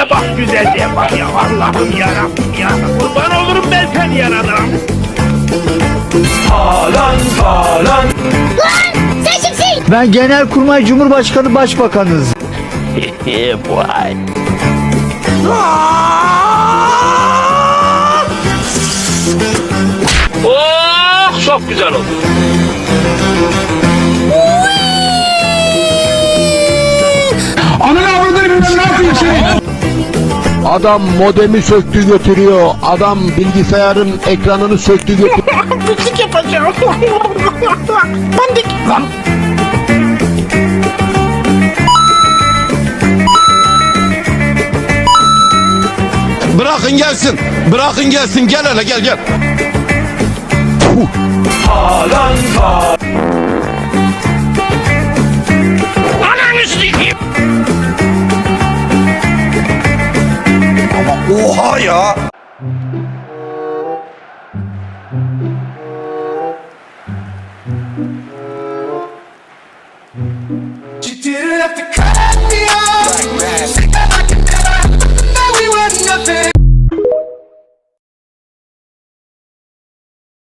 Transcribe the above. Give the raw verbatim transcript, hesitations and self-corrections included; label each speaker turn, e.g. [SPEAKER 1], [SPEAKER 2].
[SPEAKER 1] güzelliğe bak, güzelliğe bak ya. Allah'ım yarabbim ya. Kurban olurum ben seni yaradan.
[SPEAKER 2] Haaland, Haaland.
[SPEAKER 3] Sen kimsin?
[SPEAKER 4] Ben Genelkurmay Cumhurbaşkanı Başbakanız.
[SPEAKER 1] Vay. Oh, çok güzel oldu.
[SPEAKER 2] Ananı avradını bilmem ne yapayım seni.
[SPEAKER 5] Adam modemi söktü götürüyor. Adam bilgisayarın ekranını söktü götürüyor.
[SPEAKER 1] Pislik yapacağım. Ben de... Lan.
[SPEAKER 5] Bırakın gelsin. Bırakın gelsin. Gel hele gel gel.
[SPEAKER 2] Haaland, Haaland.
[SPEAKER 1] Ananı sikeyim.
[SPEAKER 5] Oha ya.
[SPEAKER 2] You didn't have to cut me